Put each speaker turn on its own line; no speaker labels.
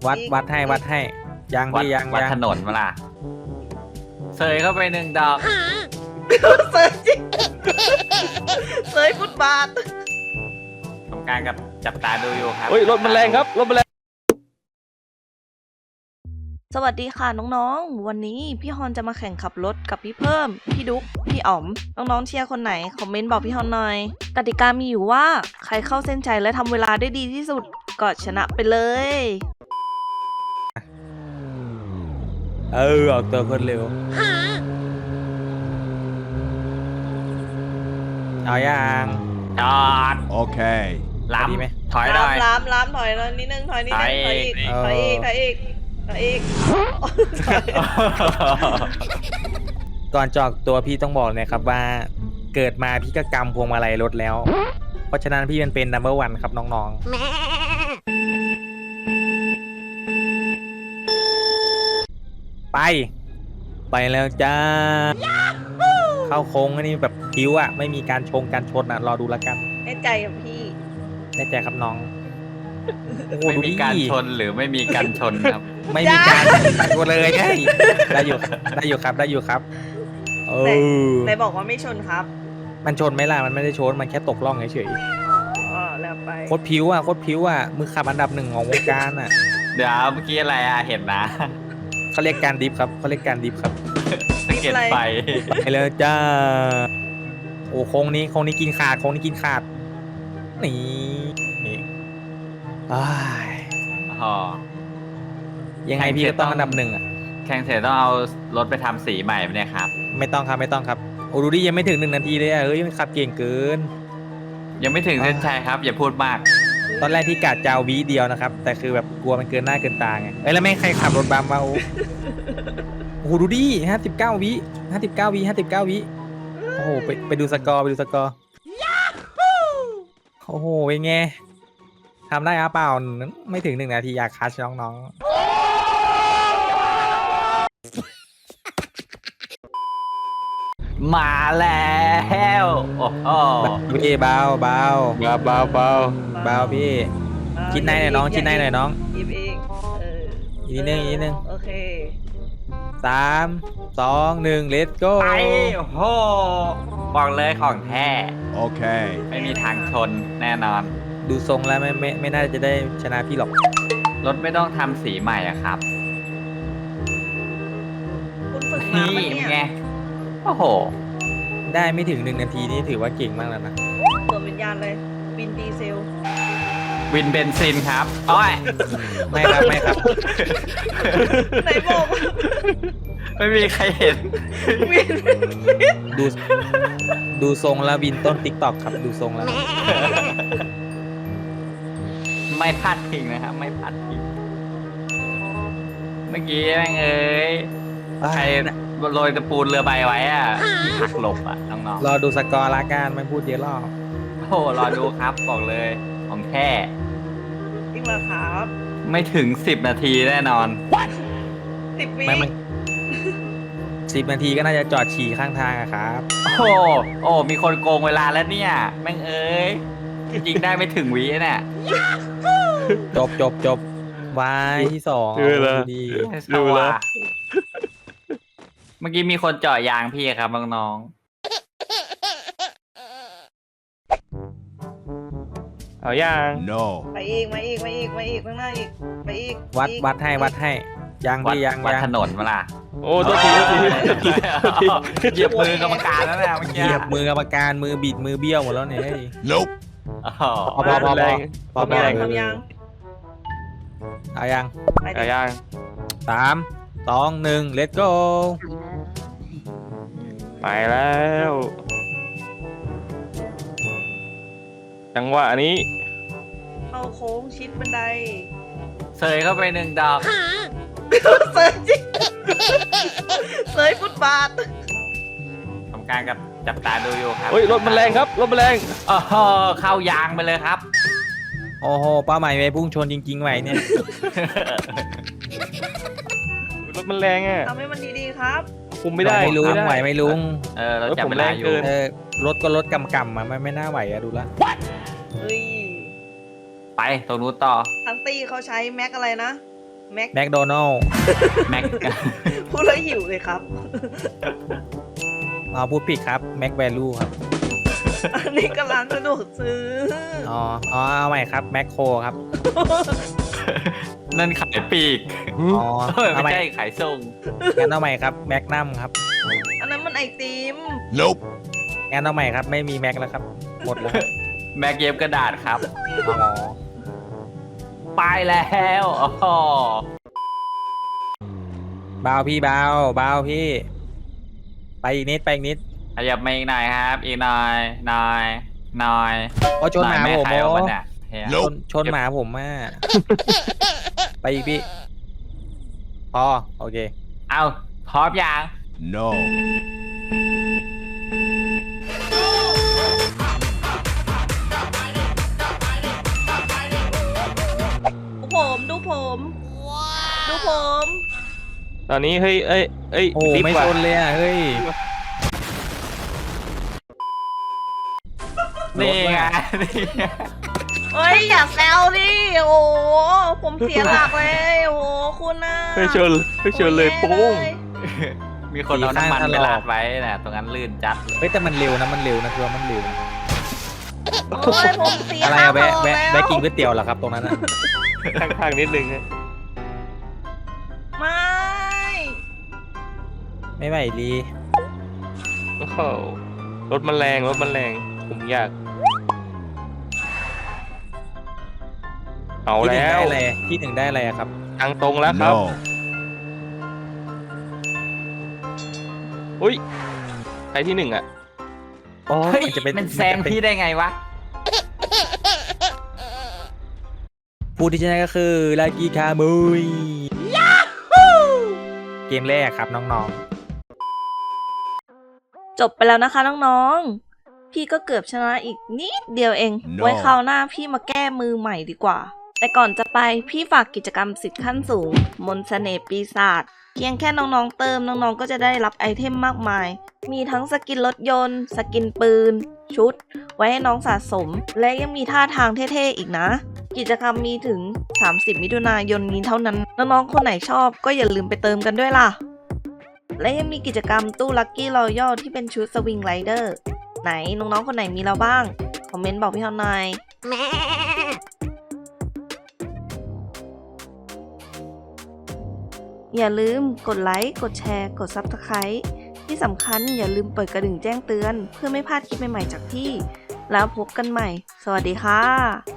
วัดให้ยัง
วัด
พี่ยัง
วัด
ยัง
ถนนมาล่ะเสยเข้าไป1 ดอก
เสยจริงเสยฟุตบาท
ทำการกับจับตาดูอยู่ครับ
เฮ้ยรถมันแรงครับรถมันแรง
สวัสดีค่ะน้องๆ วันนี้พี่ฮอนจะมาแข่งขับรถกับพี่เพิ่ม พี่ดุ๊ก พี่อ๋อม น้องๆเชียร์คนไหนคอมเมนต์บอกพี่ฮอนหน่อย กติกามีอยู่ว่าใครเข้าเส้นชัยและทำเวลาได้ดีที่สุดก็ชนะไปเลย
ออกตัวคนเร็วเอายัง
จอด
Okay.
ล้
ดีไหม
ำถอยหน่อย
ล้ำถอยนิดนึงถอยนิดนึงถอยอีก
ถอยอีก
ถอยอีกถอยอีก
ก่อนจอกตัวพี่ต้องบอกเลยครับว่าเกิดมาพี่ก็กำพวงมาลัยรถแล้ว เพราะฉะนั้นพี่เป็นนัมเบอร์วันครับน้องๆไปแล้วจ้าเข้าโค้งอันนี้แบบคิ้วอ่ะไม่มีการการชนอ่ะรอดูแล้วกัน
แน่ใจกับพี่
แน่ใจครับน้องโอ้โห
ไม่
ดู
มี
ดิ
การชนหรือไม่มีการชนครับ
ไม่มีการชนเลยได้อยู่ครับเออ
ไหนบอกว่าไม่ชนครับ
มันชนไหมล่ะมันไม่ได้ชนมันแค่ตกล่องเฉย
อ๋อแล้วไป
โคตรผิวอ่ะมือขับอันดับ 1ของวงการอ่ะ
เดี๋ยวเมื่อกี้อะไรอะเห็นนะ
เขาเรียกการดิฟครับเขาเรียกการดิฟครับ
สะเก็ดไฟ
ไปเลยจ้าโอ้โค้งนี้กินขาดนี่อ้าย
อ๋อ
ยังไงพี่ก็ต้องอันดับ 1อ่ะ
แข่งเสร็จต้องเอารถไปทำสีใหม่ไหมเนี่ยครับ
ไม่ต้องครับโอ้ดูดิยังไม่ถึง1 นาทีเลยอ่ะเฮ้ยมันขับเก่งเกิน
ยังไม่ถึงเส้นชัยครับ อย่าพูดมาก
ตอนแรกพี่กะจะเอาวิเดียวนะครับแต่คือแบบกลัวมันเกินหน้าเกินตาไงแล้วแม่งใครขับรถบัมวะโอ้โหดูดิ59 วิโอ้โหไปดูสกอร์โอ้โหเป็นไงทำได้หรือเปล่าไม่ถึง1 นาทีอยากคัชน้อง
มาแล้วโอ้โห
ๆพี่เบาเบาพี่คิดในหน่อยน้อง
หยิบเอง
อีกนิดนึง
โอเค
3 2 1 let's go
ไปโอ้โหบอกเลยของแท้
Okay.
ไม่มีทางชนแน่นอน
ดูทรงแล้วไม่น่าจะได้ชนะพี่หรอก
รถไม่ต้องทำสีใหม่อะครับ
คุณฝึกมา
นี่
ปะเนี่ย
ไงโอ้โห
ได้ไม่ถึง1 นาทีนี่ถือว่าเก่งมากแล้วนะ
สวมวิญญาณเลยบินดีเซล
วินเบนซินครับโอ้ย
ไม่ครับ
ไหนบอกว่า
ไม่มีใครเห็น
บิน
ดูทรงแล้ววินต้นติ๊กตอกครับดูทรงแล้ว
ไม่พลาดทิ้งนะครับ ไม่พลาดทิ้งเมื่อกี้แม่งเอ้ยใครโรยตะปูนเรือใบไว้อะหักหลบอะน้อง
รอดูสกอร์ละกันไม่พูดเยอะหรอก
ๆโอ้โหรอดูครับบอกเลยของแท้
จริงเหรอครับ
ไม่ถึง10 นาทีแน่นอน
10 วิ
ไม่มัน10 นาทีก็น่าจะจอดฉี่ข้างทางอะครับ
โอ้โหโอ้มีคนโกงเวลาแล้วเนี่ย แม่งเอ้ยจริงๆได้ไม่ถึงวิเนี่ย
จบวายที่2
ดูแล้ว
ดี
ดูแล้วเมื่อกี้มีคนเจาะยางพี่ครับน้อง
เอาย่าง
No.
ไปอีกข้างหน้าอีกไปอีก
วัดให้ยัง
ๆวัด
พี่ยัง
วัดถนนมาล่ะ
โอ้ตัวที
เหยียบมือกรรมการแล้วนะเมื่อ
เห
กี้
ยียบมือกรรมการมือบิดมือเบี้ยวหมดแล้วเนี่ยเฮ้ย
Nope.
อ๋อ
พอ
แรง
พอ
ทำยังทำยัง
เอายัง
ไปดิ
เอาย่าง
3 2 1 let's go
ไปแล้วจังหวะนี้
เข้าโค้งชิดบันได
เสยเข้าไป1 ดอก
เสยจริงเสยฟุตบาท
ทำการกับจับตาดูอยู่ครับ
เฮ้ยรถมันแรงครับรถมันแรง
โอ้โหเข้ายางไปเลยครับ
โอ้โหเป้าหมายไปพุ่งชนจริงๆไว้เนี่ย
รถมันแรงอ่ะ
ทำให้มันดีๆครับ
คุมไม่ได้
ไม่ลุง
ด้
ไหวไหม่ลุง
เราจับเวลาอยู่
รถผมแรงเกิน
รถก็รถกำมาไม่น่าไหวอะดูละ
เฮ้ย
ไปตรงนู้นต่อ
ทั้งตีเขาใช้แม็กอะไรนะแม็ก
แมคโดนัล
แม็ก
พูดแล้วหิวเลยครับ
พูดผิดครับแม็กแวลูครับ
อันนี้ก็ร้านสะดวกซื้อ
อ๋อเอาใหม่ครับแมคโครครับ
นั่นขายปีก
อ๋อ เอา
ไม่
ใหม่
ใช่ขายส่ง
งั้นเอาใหม่ครับแมกนัมครับ
อันนั้นมันไอติม
งั้นเอาใหม่ครับไม่มีแม็กแล้วครับหมดแล้วครับ
แม็กเย็บกระดาษครับ
อ๋อ
ไปแล้วอ๋อ
เบาพี่เบาพี่ ไปอีกนิดไปอีกนิด
ขยับมาอีกหน่อยครับ อีกหน่อยหน่อย
โอ้ชนหมา
แม่
ผม
ขายออก
โอ้
มาเนี่ยเฮีย
ชนหมาผมมาก ไปอีกพี่ พอโอเค
เอาพร้อมยัง
No.
ดูผม ดูผม
ตอนนี้เฮ้ยเอ้ย
โอ้
รีบ
ไม่
ว่ะ
ชนเลยอ่ะเฮ้ย
นี่ไง
เฮ้ยอย่าแซวดิ โอ้ผมเสียหลักเลย โอ้คุณน่ะ
เฮ้ยชนเลยโป้ง
มีคนเอาน้ำมัน
สีข้าง
ไป
ถลอก
ราดไว้นะตรงนั้นลื่นจัดเลย
เฮ้ยแต่มันเร็วนะคือว่ามันเร็วนะ
โอ้ยผมเสีย
อะไร
ค่า
อะ
เบอ
แวะ
ร์
แวะ
แล้ว
แวะกินก๋วยเตี๋ยวเหรอครับตรงนั้นอะ
ข้างๆนิดนึงฮะ
ไม่
ไม่ไหวดี
โอ้โหรถมันแรงผมอยากเอา
ที่หนึ่ง
แล้
ได้
ว
อะไรที่หนึ่งได้อะไรอะครับ
ทางตรงแล้วครับ
No.
อุ้ยใครที่หนึ่งอ่ะ
โอ้
เฮ้ย
จะเป็น
มันแซงพี่ได้ไงวะ
ผู้ที่ชนะก็คือลากิคามุยเกมแรกครับน้อง
จบไปแล้วนะคะน้องๆ พี่ก็เกือบชนะอีกนิดเดียวเอง
No
ไว้คราวหน้าพี่มาแก้มือใหม่ดีกว่า แต่ก่อนจะไปพี่ฝากกิจกรรมสิทธิ์ขั้นสูง มนต์เสน่ห์ปีศาจเพียงแค่น้องๆเติมน้องๆก็จะได้รับไอเทมมากมาย มีทั้งสกินรถยนต์ สกินปืน ชุด ไว้ให้น้องสะสม และยังมีท่าทางเท่ๆอีกนะ กิจกรรมมีถึง 30 มิถุนายนนี้เท่านั้น น้องๆคนไหนชอบก็อย่าลืมไปเติมกันด้วยล่ะ และยังมีกิจกรรมตู้ลัคกี้รอยัลที่เป็นชุดสวิงไรเดอร์ไหนน้องๆคนไหนมีเราบ้าง คอมเมนต์บอกพี่ฮอนหน่อยอย่าลืมกดไลค์ กดแชร์ กด Subscribe ที่สำคัญอย่าลืมเปิดกระดิ่งแจ้งเตือน เพื่อไม่พลาดคลิปใหม่ๆจากพี่ แล้วพบกันใหม่ สวัสดีค่ะ